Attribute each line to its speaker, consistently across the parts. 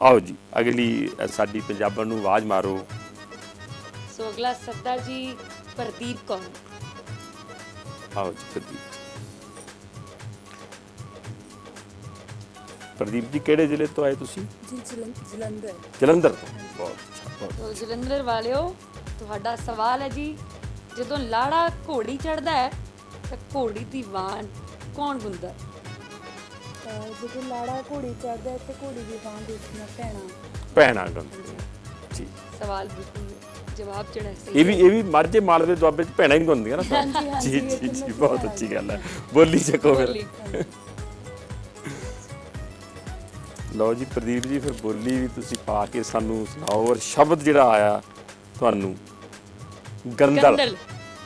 Speaker 1: आओ जी अगली साडी पंजाबन नूं आवाज़ मारो।
Speaker 2: सो अगला सरदार जी प्रदीप कौर।
Speaker 1: आओ जी प्रदीप। प्रदीप जी किहड़े जिले तो आए तुसीं?
Speaker 3: जी जलंधर।
Speaker 1: जलंधर तो बहुत अच्छा बहुत
Speaker 2: तो जलंधर वालिओ ਤੁਹਾਡਾ ਸਵਾਲ ਹੈ ਜੀ, ਜਦੋਂ ਲਾੜਾ ਘੋੜੀ ਚੜਦਾ ਹੈ ਤਾਂ ਘੋੜੀ ਦੀ ਵਾਣ ਕੌਣ ਗੁੰਦਾ?
Speaker 3: ਜਦੋਂ ਲਾੜਾ ਘੋੜੀ ਚੜਦਾ ਹੈ ਤੇ ਘੋੜੀ ਦੀ ਬਾਂਹ ਦੇਖਣਾ ਭੈਣਾ।
Speaker 1: ਭੈਣਾਂ ਗੰਦੀ ਜੀ।
Speaker 2: ਸਵਾਲ ਬਿਲਕੁਲ ਜਵਾਬ ਜਿਹੜਾ ਸਹੀ
Speaker 1: ਇਹ ਵੀ ਮਾਝੇ ਮਾਲਵੇ ਦੁਆਬੇ ਚ ਭੈਣਾਂ ਹੀ ਗਾਉਂਦੀਆਂ ਨਾ
Speaker 3: ਹਾਂਜੀ, ਹਾਂਜੀ,
Speaker 1: ਜੀ
Speaker 3: ਇਹ
Speaker 1: ਜੀ
Speaker 3: ਤਾਂ
Speaker 1: ਜੀ
Speaker 3: ਮੈਂ
Speaker 1: ਬਹੁਤ
Speaker 3: ਸੁਣਿਆ
Speaker 1: ਅੱਛੀ ਗੱਲ ਹੈ। ਬੋਲੀ ਚੱਕੋ ਫਿਰ।
Speaker 2: ਬੋਲੀ।
Speaker 1: ਲਓ ਜੀ ਪ੍ਰਦੀਪ ਜੀ ਫਿਰ ਬੋਲੀ ਵੀ ਤੁਸੀਂ ਪਾ ਕੇ ਸਾਨੂੰ ਸੁਣਾਓ ਔਰ ਸ਼ਬਦ ਜਿਹੜਾ ਆਇਆ ਤੁਹਾਨੂੰ ਗੰਦਲ।
Speaker 2: ਗੰਦਲ।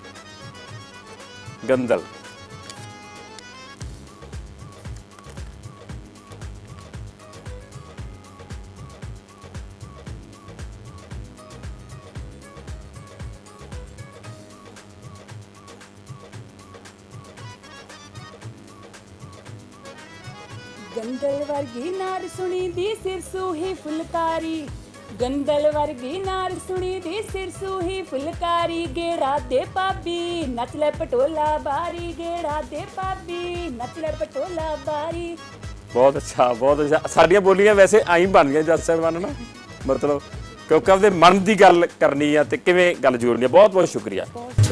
Speaker 1: ਗੰਦਲ
Speaker 3: ਗੰਦਲ ਵਰਗੀ ਨਾਰ ਸੁਣੀ ਦੀ ਸਿਰ ਸੂਹੀ ਫੁਲਕਾਰੀ। ਗੰਦਲ ਵਰਗੀ ਨਾਰ ਸੁਣੀ ਦੀ ਸਿਰ ਸੂਹੀ ਫੁਲਕਾਰੀ। ਗੇੜਾ ਦੇ ਭਾਬੀ ਨੱਚ ਲੈ ਪਟੋਲਾ ਬਾਰੀ। ਗੇੜਾ ਦੇ ਭਾਬੀ ਨੱਚ ਲੈ ਪਟੋਲਾ ਬਾਰੀ।
Speaker 1: ਬਹੁਤ ਅੱਛਾ ਬਹੁਤ ਅੱਛਾ। ਸਾਡੀਆਂ ਬੋਲੀਆਂ ਵੈਸੇ ਆਈ ਬਣਦੀਆਂ ਜੱਜ ਸਾਹਿਬਾਨ ਨਾ, ਮਤਲਬ ਕਿਉਂਕਿ ਆਪਦੇ ਮਨ ਦੀ ਗੱਲ ਕਰਨੀ ਆ ਤੇ ਕਿਵੇਂ ਗੱਲ ਜੋੜਨੀ ਆ। ਬਹੁਤ ਬਹੁਤ ਸ਼ੁਕਰੀਆ।